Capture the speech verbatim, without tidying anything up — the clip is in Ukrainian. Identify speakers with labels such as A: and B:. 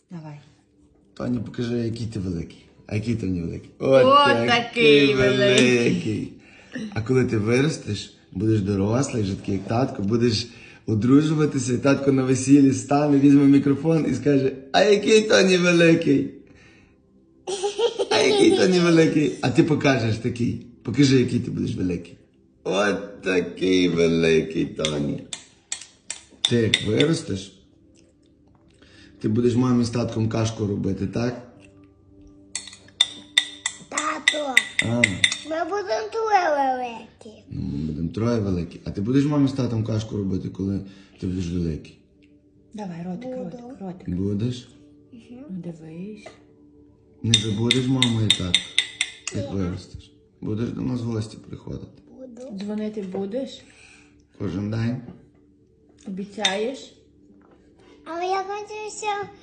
A: Давай.
B: Тоні, покажи, який ти великий. А який Тоні великий?
A: От такий великий.
B: А коли ти виростеш, будеш дорослий, вже такий як татко, будеш одружуватися, і татко на весіллі стане, візьме мікрофон і скаже: а який Тоні великий? А який Тоні великий? А ти покажеш такий. Покажи, який ти будеш великий. От такий великий Тоні. Ти як виростеш, ти будеш мамі з татком кашку робити, так?
C: Тато,
B: А,
C: ми будемо троє великі.
B: ну, ми будемо троє великі. А ти будеш мамі з татом кашку робити, коли ти будеш великий?
A: Давай, ротик, ротик, ротик.
B: Будеш?
A: Ну, дивись.
B: Не забудеш маму і татку, як виростеш. Будеш до нас в гості приходити.
C: Буду.
A: Дзвонити будеш?
B: Кожен день.
A: Обіцяєш?
C: Але я хочу, щоб